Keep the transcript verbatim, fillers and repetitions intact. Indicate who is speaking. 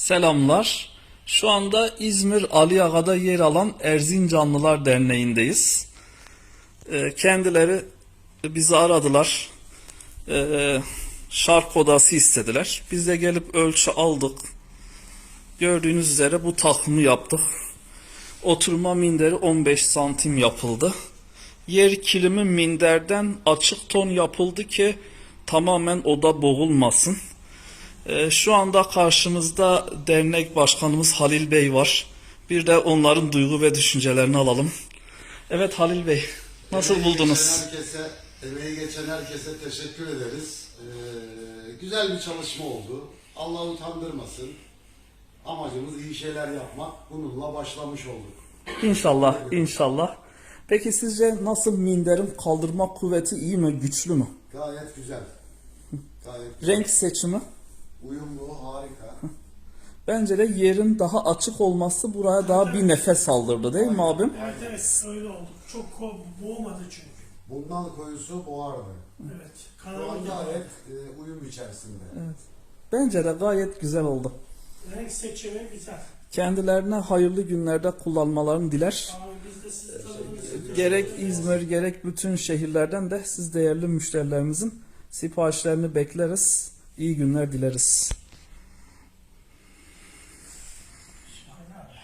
Speaker 1: Selamlar. Şu anda İzmir Aliaga'da yer alan Erzincanlılar Derneği'ndeyiz. Ee, Kendileri bizi aradılar. Ee, Şark odası istediler. Biz de gelip ölçü aldık. Gördüğünüz üzere bu takımı yaptık. Oturma minderi on beş santim yapıldı. Yer kilimi minderden açık ton yapıldı ki tamamen oda boğulmasın. Ee, Şu anda karşımızda dernek başkanımız Halil Bey var. Bir de onların duygu ve düşüncelerini alalım. Evet Halil Bey, nasıl
Speaker 2: Emeği
Speaker 1: buldunuz?
Speaker 2: Geçen herkese, emeği geçen herkese teşekkür ederiz. Ee, güzel bir çalışma oldu. Allah utandırmasın. Amacımız iyi şeyler yapmak. Bununla başlamış olduk.
Speaker 1: İnşallah, inşallah. Peki sizce nasıl minderin kaldırma kuvveti iyi mi, güçlü mü?
Speaker 2: Gayet güzel. Gayet güzel.
Speaker 1: Renk seçimi?
Speaker 2: Uyumlu, harika.
Speaker 1: Bence de yerin daha açık olması buraya daha bir nefes aldırdı değil mi abim?
Speaker 3: Evet evet öyle oldu. Çok ko- boğmadı çünkü.
Speaker 2: Bundan koyusu boğardı.
Speaker 3: Evet.
Speaker 2: Şu an
Speaker 3: Kanalı
Speaker 2: gayet e, uyum içerisinde.
Speaker 1: Bence de gayet güzel oldu.
Speaker 3: renk seçimi güzel.
Speaker 1: Kendilerine hayırlı günlerde kullanmalarını diler.
Speaker 3: Abi biz de sizi tanıdığımız
Speaker 1: Gerek İzmir gerek bütün şehirlerden de siz değerli müşterilerimizin siparişlerini bekleriz. İyi günler dileriz.